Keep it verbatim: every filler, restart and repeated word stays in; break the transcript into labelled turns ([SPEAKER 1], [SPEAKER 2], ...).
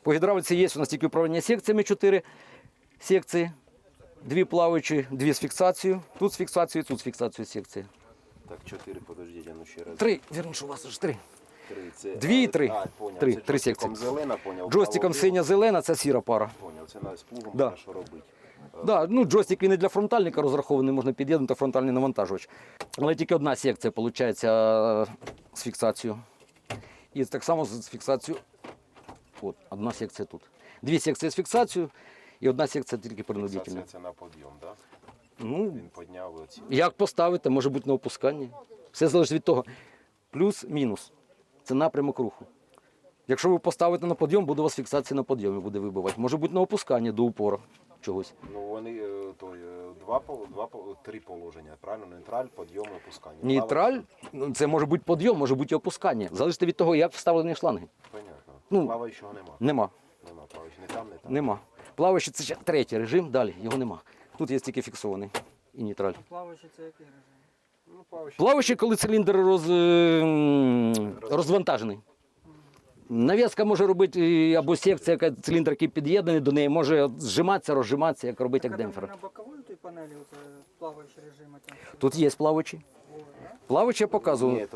[SPEAKER 1] По гідравліці є у нас тільки управління секціями, чотири секції, дві плаваючі, дві з фіксацією, тут з фіксацією, тут з фіксацією секції.
[SPEAKER 2] Так, чотири, подождіть, а ну ще раз.
[SPEAKER 1] Три, вірніше, у вас ж три.
[SPEAKER 2] Три, це,
[SPEAKER 1] Дві і три.
[SPEAKER 2] А, поняв.
[SPEAKER 1] Три,
[SPEAKER 2] Це
[SPEAKER 1] три
[SPEAKER 2] джойстиком
[SPEAKER 1] секції.
[SPEAKER 2] зелена, поняв.
[SPEAKER 1] Джойстиком
[SPEAKER 2] право-ліво.
[SPEAKER 1] синя-зелена, це сіра пара.
[SPEAKER 2] Поняв, це на сплугом
[SPEAKER 1] Да.
[SPEAKER 2] можна що робити.
[SPEAKER 1] Да, ну, джойстик він і для фронтальника розрахований, можна під'єднати фронтальний навантажувач. Але тільки одна секція, виходить, з фіксацією. І так само з фіксацією. От, одна секція тут. Дві секції з фіксацією і одна секція тільки принудительна.
[SPEAKER 2] Це, це на підйом, так? Да?
[SPEAKER 1] Ну,
[SPEAKER 2] Він підняв оці.
[SPEAKER 1] як поставити, може бути на опусканні. Все залежить від того. Плюс-мінус. Це напрямок руху. Якщо ви поставите на підйом, буде у вас фіксація на підйомі, буде вибивати. Може бути на опусканні до упору чогось.
[SPEAKER 2] Ну вони е, то, е, два, пол- два, пол- три положення, правильно? Нейтраль, підйом і опускання.
[SPEAKER 1] Нейтраль, ну, це може бути підйом, може бути і опускання. Залежить від того, як вставлені шланги.
[SPEAKER 2] Понятно.
[SPEAKER 1] Ну,
[SPEAKER 2] Плаваючого нема.
[SPEAKER 1] Нема.
[SPEAKER 2] Нема плаваючого. Не там, не там.
[SPEAKER 1] Нема. Плаваючий це ще третій режим, далі його нема. Тут є тільки фіксований і нейтраль.
[SPEAKER 3] Плаваючий це який режим?
[SPEAKER 2] Ну, плаваючий.
[SPEAKER 1] Плаваючий, коли циліндр роз... м, розвантажений. Нав'язка може робити і- або секція, яка циліндр, який під'єднаний до неї, може зжиматися, розжиматися, як робити як
[SPEAKER 3] Так, а там
[SPEAKER 1] демпфер.
[SPEAKER 3] на боковій той панелі оце плаваючий режим. а там що?
[SPEAKER 1] Тут є плаваючий. Плаваючий я показував.
[SPEAKER 2] Ні,